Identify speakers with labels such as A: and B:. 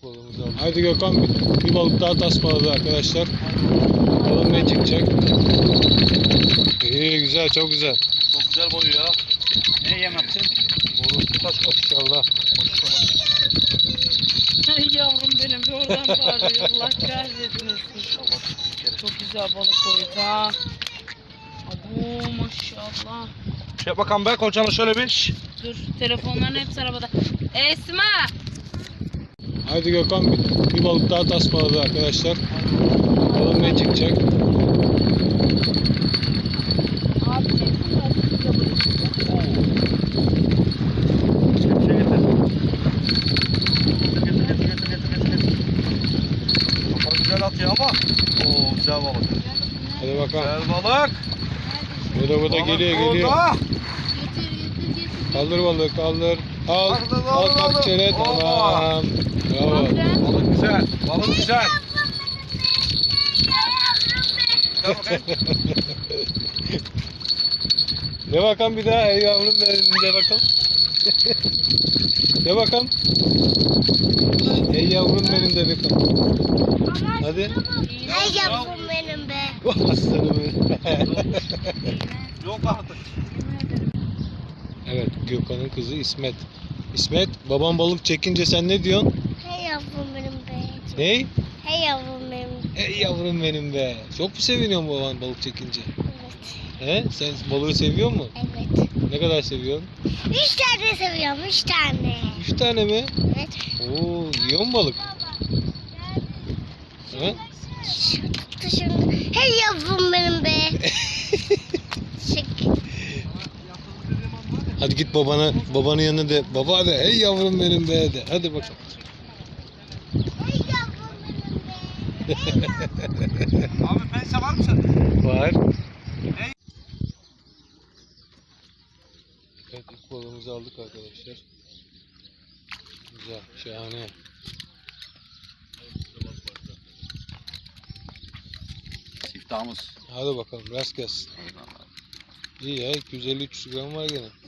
A: balığımızı aldık. Haydi Gökhan, bir balık daha tasmaladı arkadaşlar. Bakalım ne çıkacak. İyi, güzel, çok güzel.
B: Çok güzel boyu ya. Ne yem yaptın?
A: Balık taş maşallah.
C: Ay yavrum benim bir oradan bağırıyor. Allah kahretmesin. Çok güzel balık koydu ha. Abo maşallah.
B: Şey bakalım be koçanı şöyle bir.
C: Dur, telefonların hepsi arabada. Esma!
A: Haydi Gökhan, bir balık daha tasmaladı arkadaşlar. Bakalım ne çıkacak.
C: Abi çeksin de açıkça balık.
B: Şey getir. Getir. Kafanı güzel atıyor ama. Oo güzel balık.
A: Hadi bakalım.
B: Güzel balık.
A: Bu da geliyor.
B: Burada.
C: Getir.
A: Kaldır balık, kaldır. Al,
B: Kaldır,
A: al
B: kaldır,
A: tak
B: kaldır.
A: çene,
B: Hoppa.
A: tamam. Bravo.
B: Balık güzel. Balık güzel. Gel bakayım.
A: De bakalım bir daha, ey yavrum benim, de bakalım. De bakalım. Ey yavrum benim, de bakalım. Hadi.
C: Ay yavrum benim be.
A: Aslanım benim.
B: Yok artık.
A: Evet, Gökhan'ın kızı İsmet. İsmet, babam balık çekince sen ne diyorsun?
C: Hey yavrum benim be.
A: Ney?
C: Hey yavrum benim.
A: Ey yavrum benim be. Çok mu seviniyorsun baban balık çekince?
C: Evet.
A: He? Sen balığı seviyor musun?
C: Evet.
A: Ne kadar seviyorsun?
C: 3 tane seviyorum, 3 tane.
A: 3 tane mi?
C: Evet.
A: Oo, yiyor mu balık? He?
C: Şimdi. Hey yavrum benim be. Çık.
A: Hadi git babanın yanına de. Baba de, ey yavrum benim be de. Hadi bakalım.
C: Hey yavrum benim be.
B: Abi pense var mı sende?
A: Var.
B: Ne?
A: Evet, ilk balığımızı aldık arkadaşlar. Güzel, şahane.
B: Siftahımız.
A: Hadi bakalım, rast gelsin.
B: Eyvallah.
A: İyi ya, 250-300 gram var gene.